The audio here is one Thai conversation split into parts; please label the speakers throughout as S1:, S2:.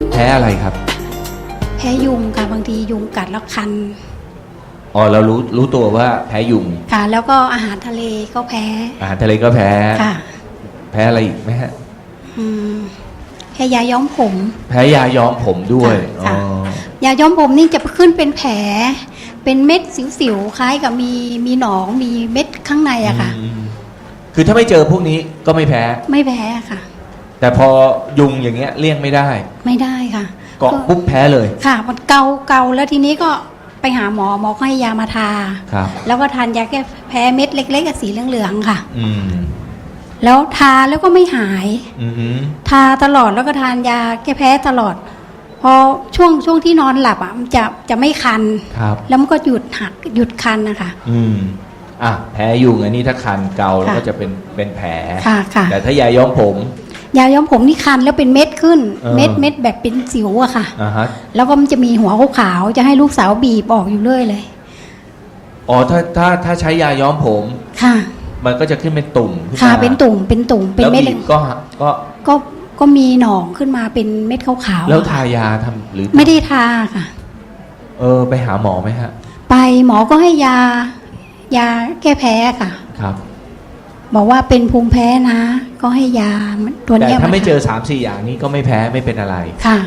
S1: แพ้อะไรครับ
S2: แพ้ยุงค่ะบางทียุงกัดแล้วคัน
S1: อ๋อเรารู้ตัวว่าแพ้ยุง
S2: ค่ะแล้วก็อาหารทะเลก็แพ้
S1: อาหารทะเลก็แพ้
S2: ค่ะ
S1: แพ้อะไรอีกไหมฮะ
S2: แพ้ยาย้อมผม
S1: แพ้ยาย้อมผมด้วย
S2: อ๋อยาย้อมผมนี่จะขึ้นเป็นแผลเป็นเม็ดสิวๆคล้ายกับมีหนองมีเม็ดข้างในอะค่ะ
S1: คือถ้าไม่เจอพวกนี้ก็ไม่แพ้
S2: ค่ะ
S1: แต่พอยุงอย่างเงี้ยเลี่ยงไม่ได้
S2: ค่ะ
S1: เกาะปุ๊บแพ้เลย
S2: ค่ะมันเกาแล้วทีนี้ก็ไปหาหมอก็ให้ยามาทาแล้วก็ทานยาแก้แพ้เม็ดเล็กๆสีเหลืองๆค่ะแล้วทาแล้วก็ไม่หายทาตลอดแล้วก็ทานยาแก้แพ้ตลอดพอช่วงที่นอนหลับอ่ะมันจะไม่คันแล้วมันก็หยุดคันนะคะ
S1: แพ้ยุงอันนี้ถ้าคันเกาแล้วก็จะเป็นแผลแต่ถ้ายาย้อมผม
S2: นี่คันแล้วเป็นเม็ดขึ้นเม็ดแบบเป็นสิวอะค่ะแล้วก็มันจะมีหัวขาวๆจะให้ลูกสาวบีบออกอยู่เรื่อยเลย
S1: อ๋อถ้าใช้ยาย้อมผม
S2: ค่ะ
S1: มันก็จะขึ้นเป็นตุ่ม
S2: ค่ะเป็นตุ่มเป็นเม็ดก็มีหนองขึ้นมาเป็นเม็ดขาวๆ
S1: แล้วทายาทำหรือ
S2: ไม่ได้ทาค่ะ
S1: ไปหาหมอไหมฮะ
S2: ไปหมอก็ให้ยาแก้แพ้ค่ะ
S1: ครับ
S2: บอกว่าเป็นภูมิแพ้นะก็ให้ยาตัวนี้
S1: แต่ถ้าไม่เจอ 3-4 อย่างนี้ก็ไม่แพ้ไม่เป็นอะไร
S2: ค่ะ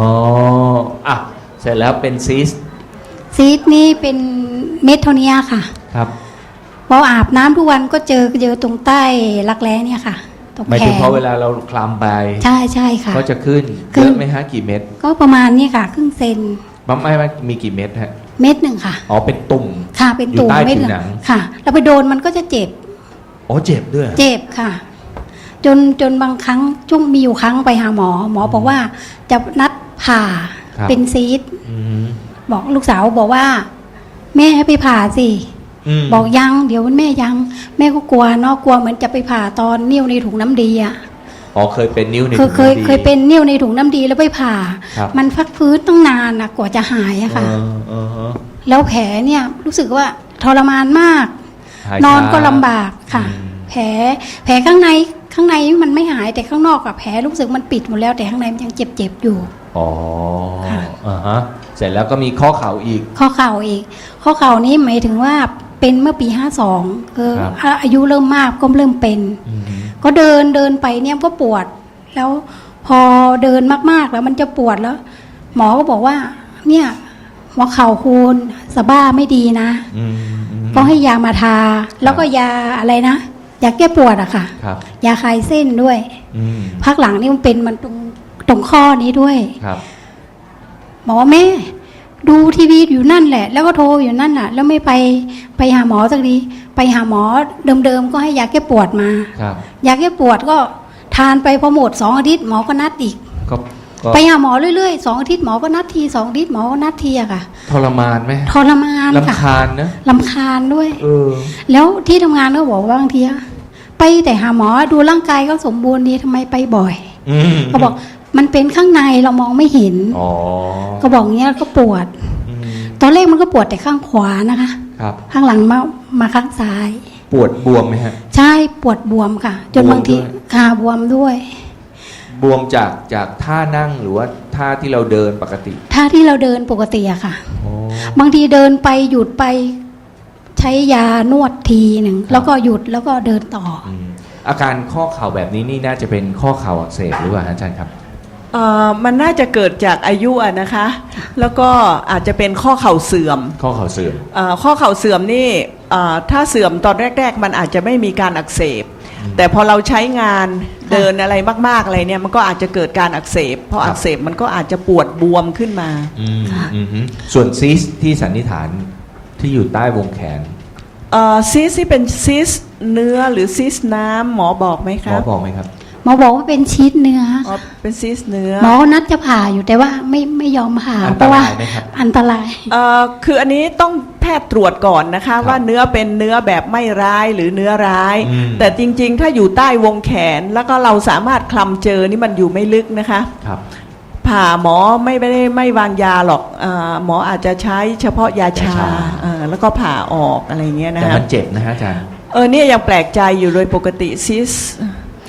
S1: เสร็จแล้วเป็นซีส
S2: นี่เป็นเม็ดเท่านี้ค่ะ
S1: ครับ
S2: พออาบน้ำทุกวันก็เจอตรงใต้รักแร้เนี่ยค่ะ
S1: หมายถึงพอเวลาเราคลำไป
S2: ใช่ค่ะ
S1: ก็จะขึ้นเยอะไหมฮะกี่เม็ด
S2: ก็ประมาณนี้ค่ะครึ่งเซน
S1: ไม่มีกี่เม็ดฮะ
S2: เม็ดหนึ่งค่ะ
S1: อ๋อเป็นตุ่ม
S2: ค่ะเป็นตุ่มเม็ดหนึ่งค่ะเราไปโดนมันก็จะเจ็บ
S1: อ๋อเจ็บด้วย
S2: เจ็บค่ะจนบางครั้งช่วงมีอยู่ครั้งไปหาหมอบอกว่าจะนัดผ่าเป็นซีสบอกลูกสาวบอกว่าแม่ให้ไปผ่าสิบอกยังเดี๋ยวแม่ยังแม่ก็กลัวเนาะกลัวเหมือนจะไปผ่าตอนนิ้วในถุงน้ำดีอ่ะ
S1: อ๋อเคยเป็นนิ้วในถุงน้ำดี
S2: เคยเป็นนิ้วในถุงน้ำดีแล้วไปผ่ามันพักฟื้นต้องนานนะกว่าจะหายอะค่ะแล้วแผลเนี่ยรู้สึกว่าทรมานมากนอนก็ลำบากค่ะแผลข้างในมันไม่หายแต่ข้างนอกกับแผลรู้สึกมันปิดหมดแล้วแต่ข้างในมันยังเจ็บอยู่
S1: อ๋อเสร็จแล้วก็มีข้อเข่าอีก
S2: ข้อเข่านี้หมายถึงว่าเป็นเมื่อปี52คืออายุเริ่มมากก็เริ่มเป็นก็เดินไปเนี่ยก็ปวดแล้วพอเดินมากๆแล้วมันจะปวดแล้วหมอก็บอกว่าเนี่ยหัวเข่าคุณสะบ้าไม่ดีนะก็ให้ยามาทาแล้วก็ยาอะไรนะยาแก้ปวดอะค่ะยาคลายเส้นด้วยพักหลังนี่มันเป็นมันตรงข้อนี้ด้วยบอกว่าแม่ดูทีวีอยู่นั่นแหละแล้วก็โทรอยู่นั่นน่ะแล้วไม่ไปหาหมอสักทีไปหาหมอเดิมก็ให้ยาแก้ปวดมายาแก้ปวดก็ทานไปพอหมด2 อาทิตย์หมอก็นัดอีกไปหาหมอเรื่อยๆ2 อาทิตย์หมอก็นัดที2 อาทิตย์หมอก็นัดทีอะค่ะ
S1: ทรมานไหม
S2: ทรมานค่ะ
S1: รำคาญนะ
S2: รำคาญด้วยแล้วที่ทำงานก็บอกว่าบางทีไปแต่หาหมอดูร่างกายก็สมบูรณ์ดีทำไมไปบ่อยเขาบอกมันเป็นข้างในเรามองไม่เห็นก็บอกเงี้ยก็ปวดตอนแรกมันก็ปวดแต่ข้างขวานะคะข้างหลังมาข้างซ้าย
S1: ปวดบวมไหมฮะ
S2: ใช่ปวดบวมค่ะจนบางทีขาบวมด้วย
S1: บวมจากท่านั่งหรือว่าท่าที่เราเดินปกติ
S2: ท่าที่เราเดินปกติอะค่ะบางทีเดินไปหยุดไปใช้ยานวดทีหนึ่งแล้วก็หยุดแล้วก็เดินต่อ
S1: อาการข้อเข่าแบบนี้นี่น่าจะเป็นข้อเข่าอักเสบหรือเปล่าอาจารย์ครับ
S3: มันน่าจะเกิดจากอายุนะคะแล้วก็อาจจะเป็นข้อเข่าเสื่อม
S1: ข้อเข่าเสื่อม
S3: ข้อเข่าเสื่อมนี่ถ้าเสื่อมตอนแรกๆมันอาจจะไม่มีการอักเสบแต่พอเราใช้งานเดินอะไรมากๆอะไรเนี่ยมันก็อาจจะเกิดการอักเสบพออักเสบมันก็อาจจะปวดบวมขึ้นมา
S1: ส่วนซีสที่สันนิษฐานที่อยู่ใต้วงแขน
S3: ซีสที่เป็นซีสเนื้อหรือซีสน้ำหมอบอกไหมครับ
S1: หมอบอกไหมครับ
S2: หมอบอกว่าเป็นชีสเนื้อ
S3: เป็นซีสเนื้อ
S2: หมอนัดจะผ่าอยู่แต่ว่าไม่ยอมผ่า
S1: เพราะว่า
S2: อันตราย
S3: คืออันนี้ต้องแพทย์ตรวจก่อนนะคะว่าเนื้อเป็นเนื้อแบบไม่ร้ายหรือเนื้อร้ายแต่จริงๆถ้าอยู่ใต้วงแขนแล้วก็เราสามารถคลำเจอนี่มันอยู่ไม่ลึกนะคะผ่าหมอไม่วางยาหรอกหมออาจจะใช้เฉพาะยาชาแล้วก็ผ่าออกอะไรเงี้ยนะคะ
S1: แต่มันเจ็บนะฮะอาจารย์
S3: เนี่ยยังแปลกใจอยู่โดยปกติซิส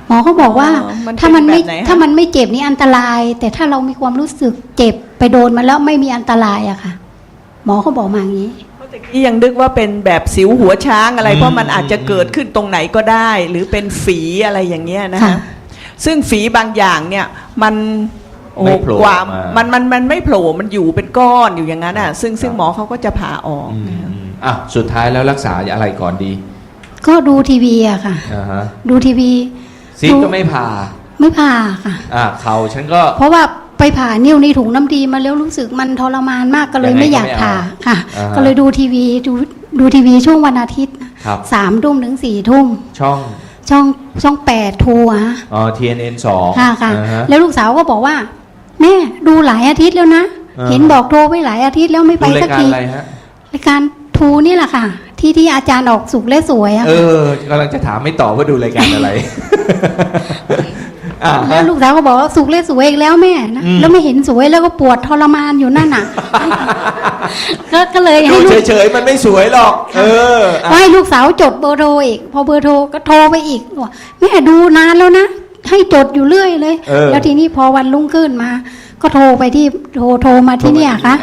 S2: หมอเขาบอกว่า
S3: มันเป็น
S2: ถ้ามันไม่
S3: แบบไหนฮะ
S2: ถ้ามันไม่เจ็บนี่อันตราย แต่ถ้าเรามีความรู้สึกเจ็บไปโดนมันแล้วไม่มีอันตรายอะค่ะ หมอเขาบอกมาอย่างนี้
S3: ที่ยังนึกว่าเป็นแบบสิวหัวช้างอะไรเพราะมันอาจจะเกิดขึ้นตรงไหนก็ได้ หรือเป็นฝีอะไรอย่างเงี้ยนะ
S2: ค่ะ
S3: คะซึ่งฝีบางอย่างเนี่ยมันโอ้
S1: ไม่โผล่
S3: กว่า
S1: ออกมา
S3: มันไม่โผล่มันอยู่เป็นก้อนอยู่อย่างนั้นอ่ะซึ่งหมอเขาก็จะผ่าออก
S1: อืม
S3: นะคะ
S1: อ่ะสุดท้ายแล้วรักษาอะไรก่อนดี
S2: ก็ดูทีวีอะค่ะ
S1: อ่าฮะ
S2: ดูทีวี
S1: ซีดก็ไม่ผ่า
S2: ไม่ผ่าค่ะ
S1: เข่าฉันก็
S2: เพราะว่าไปผ่านิ้วในถุงน้ำดีมาแล้วรู้สึกมันทรมานมากก็เลย
S1: ยังไง
S2: ไม่อยาก
S1: ก็ไม่
S2: ผ่า
S1: เอา
S2: ค่ะ
S1: อ่าฮะ
S2: ก็เลยดูทีวีดูทีวีช่วงวันอาทิตย์นะครับ 3 ทุ่มถึง 4 ทุ่ม
S1: ช่อง
S2: ช่อง8ทูอะฮะ
S1: TNN 2
S2: ค่ะค่ะ
S1: อ่าฮะ
S2: แล้วลูกสาวก็บอกว่าแม่ดูหลายอาทิตย์แล้วนะ
S1: อ่า
S2: เห็นบอกโทรไปหลายอาทิตย์แล้วไม่ไป
S1: ดูรา
S2: สั
S1: ย
S2: ก
S1: การ
S2: ที
S1: อะไรฮะ
S2: รายการทูนี่แหละค่ะ ที่อาจารย์ออกสุขและสวยอะ
S1: กำลังจะถามไม่ตอบว่าดูรายการอะไร
S2: แล้วลูกสาวก็บอกว่าสุขและสวยอีกแล้วแม่นะ
S1: อืม
S2: แล้วไม่เห็นสวยแล้วก็ปวดทรมานอยู่นั่นน่ะ ก็เลย
S1: ดู
S2: ให้ลูก
S1: เฉยๆมันไม่สวยหรอก
S2: ก็ให้ลูกสาวจดเบอร์โทรอีก พอเบอร์โทรก็โทรไปอีกบอกแม่ดูนานแล้วนะให้จดอยู่เรื่อยเลย แล้วทีนี้พอวันรุ่งขึ้นมา ก็โทรไปที่โทรมาที่เนี่ยค่ะ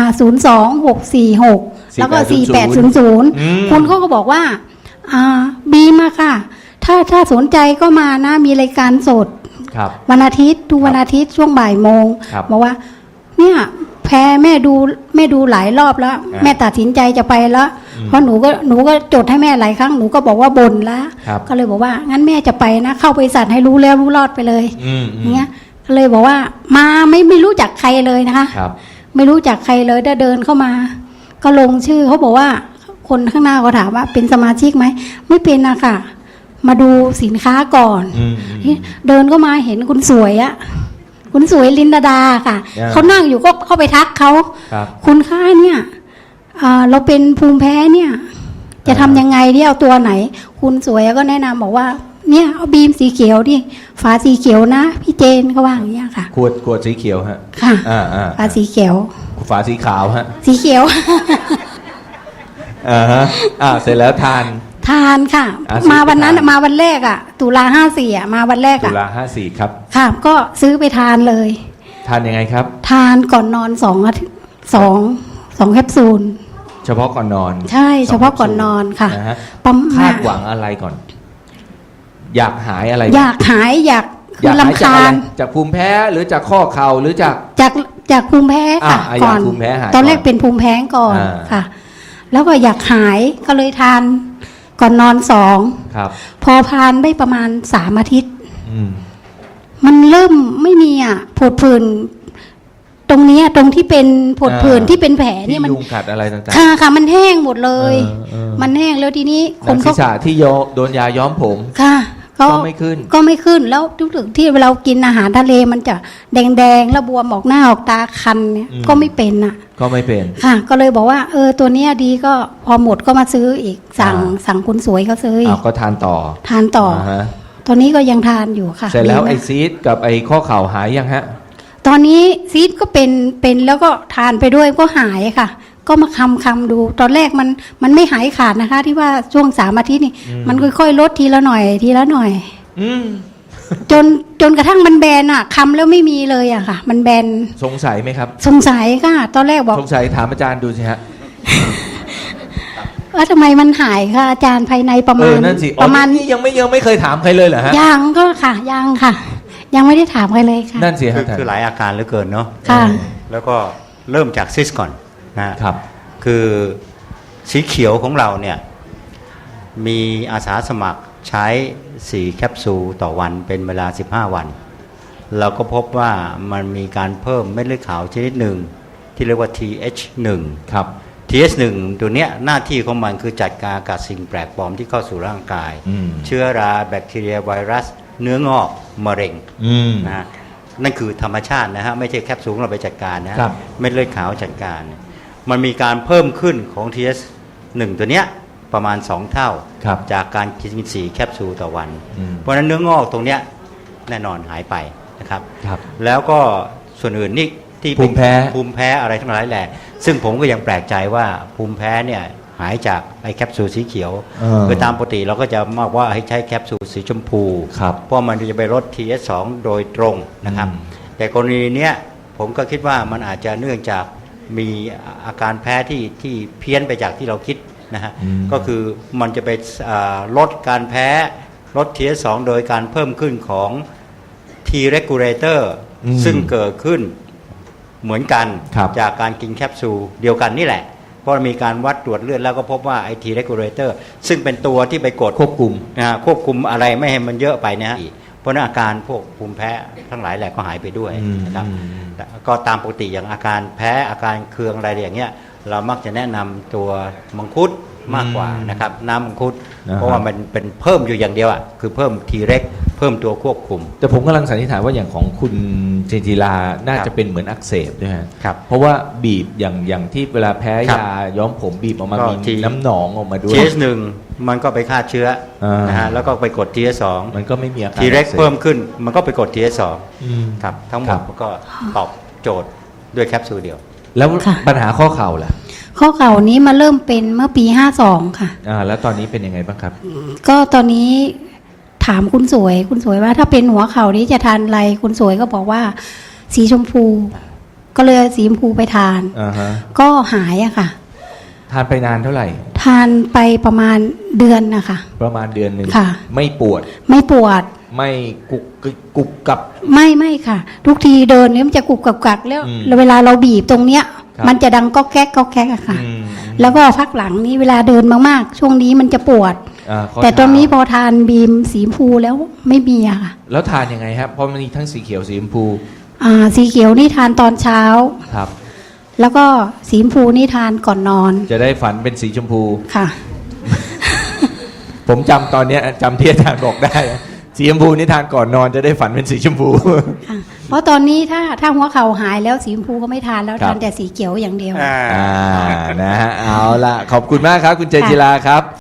S2: 02646แล้วก็4800คุณเขาก็บอกว่าบีมาค่ะ ถ้าสนใจก็มานะมีรายการสด
S1: ครับ
S2: วันอาทิตย์ทุกวันอาทิตย์ช่วงบ่ายโมง
S1: ครับ
S2: บอกว่า เนี่ยแพ้แม่ดูหลายรอบแล้ว แม่ตัดสินใจจะไปแล้ว เพราะหนูก็จดให้แม่หลายครั้งหนูก็บอกว่าบ่นแล้ว
S1: ครับ
S2: ก็เลยบอกว่างั้นแม่จะไปนะ เข้าบริษัทให้รู้แล้วรู้รอดไปเลย อย่างเงี้ยก็เลยบอกว่ามาไม่รู้จักใครเลยนะคะ
S1: ครับ
S2: ไม่รู้จักใครเลยได้เดินเข้ามา ก็ลงชื่อเขาบอกว่า คนข้างหน้าเขาถามว่าเป็นสมาชิกไหมไม่เป็นนะค่ะ มาดูสินค้าก่อน เดินเข้ามาเห็นคุณสวยอะคุณสวยลินดาค่ะ เขานั่งอยู่ก็เข้าไปทักเขา
S1: ครับ
S2: คุณค่าเนี่ยเราเป็นภูมิแพ้เนี่ย จะทำยังไงที่เอาตัวไหน คุณสวยก็แนะนำบอกว่า เนี่ยเอาบีมสีเขียวดิฝาสีเขียวนะพี่เจนเขาว่าอย่างเงี้ยค่ะ
S1: ขวดสีเขียวฮะ
S2: ค่ะ
S1: ฝา
S2: ฝาสีเขียว
S1: ฝาสีขาวฮะ
S2: สีเขียว
S1: เสร็จแล้วทาน
S2: ทานค่ะ มาวันนั้น
S1: ซื้อไปทาน
S2: มาวันแรกอ่ะตุลา54มาวันแรก
S1: ตุ
S2: อ่ะ
S1: ลา54ครับ
S2: ค่ะ ก็ซื้อไปทานเลย
S1: ทานยังไงครับ
S2: ทานก่อนนอน2 อาทิตย์2แคปซูล
S1: เฉพาะก่อนนอน
S2: ใช่เฉพาะก่อนนอนค่ะ
S1: นะฮะ
S2: ประ
S1: คา
S2: มา
S1: ด
S2: ณ
S1: หวังอะไรก่อน อยากหายอะไร
S2: อยากหายอยาก
S1: อยากหาย
S2: ลำ
S1: จาก
S2: คา
S1: อะไร
S2: ญ
S1: จากภูมิแพ้หรือจากข้อเข่าหรือจาก
S2: จากภูมิแพ้ค่ะ
S1: อยากภูมิแพ้หาย
S2: ตอนแรก
S1: ก่อน
S2: เป็นภูมิแพ้ก่อน
S1: อ่า
S2: ค่ะ แล้วก็อยากหายก็เลยทานก่อนนอน
S1: ครับ
S2: 2พอทานได้ประมาณ3 อาทิตย์
S1: อืม
S2: มันเริ่มไม่มีผดผื่นตรงเนี้ยตรงที่เป็นผดผื่นที่เป็นแผล
S1: ที่
S2: เนี่ยมัน
S1: ยุงกัดอะไรต่างๆ
S2: ค่ะมันแห้งหมดเลย
S1: เออ
S2: มันแห้งแล้วทีนี้ค
S1: หนั
S2: น
S1: งศี
S2: เขา
S1: รษะที่โดนยาย้อมผม
S2: ค่ะ
S1: ก็ไม่ขึ้น
S2: ก็ไม่ขึ้นแล้วทุกถึงที่เรากินอาหารทะเลมันจะแดงๆแล้วบวมออกหน้าออกตาคันเนี่ยก็ไม่เป็น
S1: ก็ไม่เป็น
S2: ค่ะ ก็เลยบอกว่าตัวเนี้ยดีก็พอหมดก็มาซื้ออีกสั่งคุณสวยเขาซื้ออีก
S1: ก็ทานต่อ
S2: ทานต่อ
S1: ฮะ
S2: ตอนนี้ก็ยังทานอยู่ค่ะ
S1: เสร็จแล้ว
S2: ดีมาก
S1: ไอซีดกับไอข้อเข่าหายยังฮะ
S2: ตอนนี้ซีดก็เป็นแล้วก็ทานไปด้วยก็หายค่ะ ก็มาคำดู ตอนแรกมันไม่หายขาดนะคะ ที่ว่าช่วง3 อาทิตย์นี่มันค่อยๆลดทีละหน่อยทีละหน่อย จนกระทั่งมันแบนคำแล้วไม่มีเลยค่ะ มันแบน
S1: สงสัยไหมครับ
S2: สงสัยค่ะ ตอนแรกบอก
S1: สงสัยถามอาจารย์ดูสิฮะ
S2: ว่าทำไมมันหายค่ะอาจารย์ภายในประมาณ
S1: นั่นสิ
S2: ประมาณ
S1: นี่ยังไม่เคยถามใครเลยเหรอฮะ
S2: ยังก็ค่ะยังค่ะ ยังไม่ได้ถามใครเลยค่ะ
S1: นั่นสิฮะ
S4: คือหลายอาการเหลือเกินเนาะ
S2: ค่ะ
S4: แล้วก็เริ่มจากซิสก่อนนะฮะ
S1: ครับ
S4: คือสีเขียวของเราเนี่ยมีอาสาสมัครใช้4 แคปซูลต่อวันเป็นเวลา15 วัน เราก็พบว่ามันมีการเพิ่มเม็ดเลือดขาวชนิดหนึ่งที่เรียกว่า TH1
S1: ครับ
S4: TH1 ตัวเนี้ยหน้าที่ของมันคือจัดการกับสิ่งแปลกปลอมที่เข้าสู่ร่างกาย เชื้อราแบคทีเรียไวรัส เนื้องอกมะเร็งนะฮะนั่นคือธรรมชาตินะฮะไม่ใช่แคปซูลเราไปจัดการนะฮะ
S1: ครับ
S4: เม็ดเลือดขาวจัดการ มันมีการเพิ่มขึ้นของ TH1 ตัวเนี้ยประมาณ2 เท่า
S1: ครับ
S4: จากการกิน4 แคปซูลต่อวัน เพราะฉะนั้นเนื้องอกตรงเนี้ยแน่นอนหายไปนะครับ
S1: ครับ
S4: แล้วก็ส่วนอื่นนี่ที่เป็น
S1: ภูมิแพ้
S4: ภูมิแพ้อะไรทั้งหลายแหละซึ่งผมก็ยังแปลกใจว่าภูมิแพ้เนี่ยหายจากไอ้แคปซูลสีเขียว
S1: เออ
S4: คือตามปกติเราก็จะมากว่าให้ใช้แคปซูลสีชมพู
S1: ครับ
S4: เพราะมันจะไปลด TS2 โดยตรงนะครับ แต่กรณีเนี้ยผมก็คิดว่ามันอาจจะเนื่องจากมีอาการแพ้ที่เพี้ยนไปจากที่เราคิดนะฮะ ก็คือมันจะไปลดการแพ้ลด TS2 โดยการเพิ่มขึ้นของ T regulator ซึ่งเกิดขึ้นเหมือนกัน
S1: ครับ
S4: จากการกินแคปซูลเดียวกันนี่แหละ เพราะมีการวัดตรวจเลือดแล้วก็พบว่าไอ้ T regulator ซึ่งเป็นตัวที่ไปกด
S1: ควบคุม
S4: ควบคุมอะไรไม่ให้มันเยอะไปนะฮะเพราะนั้นอาการพวกภูมิแพ้ทั้งหลายแหละก็หายไปด้วยนะครับแต่ก็ตามปกติอย่างอาการแพ้อาการเคืองอะไรอย่างเงี้ยเรามักจะแนะนำตัวมังคุดมากกว่านะครับน้ำมังคุดเพราะว่ามันเป็นเพิ่มอยู่อย่างเดียวอ่ะคือเพิ่ม T reg เพิ่มตัวควบคุม
S1: แต่ผมกำลังสันนิษฐานว่าอย่างของคุณเจนจิลาน่า
S4: ครับ
S1: จะเป็นเหมือนอักเสบด้วยฮะ
S4: ครับ
S1: เพราะว่าบีบอย่างที่เวลาแพ้
S4: ครับ
S1: ยาย้อมผมบีบออกมา
S4: ก็
S1: มี
S4: ที่
S1: น้ำหนองออกมาด้วย
S4: TS1 มันก็ไปฆ่าเชื้อนะฮะแล้วก็ไปกด TS2
S1: มันก็ไม่มีอาการ
S4: T reg
S1: อักสบ
S4: เพิ่มขึ้นมันก็ไปกด TS2
S1: อืม
S4: ครับทั้งหม
S1: ครั
S4: ด
S1: บ
S4: มันก็ตอบโจทย์ด้วยแคปซูลเดียว
S1: แล้ว
S2: ค่ะ
S1: ปัญหาข้อเข่าล่ะ
S2: ข้อเข่านี้มาเริ่มเป็นเมื่อปี52ค่ะ
S1: แล้วตอนนี้เป็นยังไงบ้างครับ
S2: ก็ตอนนี้ถามคุณสวยว่าถ้าเป็นหัวเข่านี้จะทานอะไรคุณสวยก็บอกว่าสีชมพู ก็เลยเอาสีชมพูไปทาน
S1: อ่าฮะ
S2: ก็หายอะค่ะ
S1: ทานไปนานเท่าไหร่
S2: ทานไปประมาณเดือนนะคะ
S1: ประมาณเดือนหนึ่ง
S2: ค่ะ
S1: ไม่ปวด
S2: ไม่ปวด
S1: ไม่กุกกับ
S2: ไม่ค่ะ ทุกทีเดินเนี่ยมันจะกุกกักแล้ว
S1: อืม
S2: เวลาเราบีบตรงเนี้ย
S1: ครับ
S2: มันจะดังก็แก๊กก็แก๊กอะค่ะ
S1: อืม
S2: แล้วก็พักหลังนี้เวลาเดินมากๆ ช่วงนี้มันจะปวด
S1: ข้อ
S2: แต่ตอนนี้พ
S1: เท้า
S2: อทานบีมสีชมพูแล้วไม่มีอะค่ะ
S1: แล้วทานยังไงครับเพราะมันมีทั้งสีเขียวสีชมพู
S2: สีเขียวนี่ทานตอนเช้า
S1: ครับ
S2: แล้วก็สีชมพูนี่ทานก่อนนอน
S1: จะได้ฝันเป็นสีชมพู
S2: ค่ะ
S1: ผมจำตอนเนี้ยจำที่อาจารย์บอกได้อะสีชมพูนี่ทานก่อนนอนจะได้ฝันเป็นสีชมพู
S2: ค่ะ เพราะตอนนี้ถ้าหัวเข่าหายแล้วสีชมพูก็ไม่ทานแล้ว
S1: ครับ
S2: ทานแต่สีเขียวอย่างเดียว
S1: นะฮะเอาละขอบคุณมากครับ คุณเจนจิลาครับ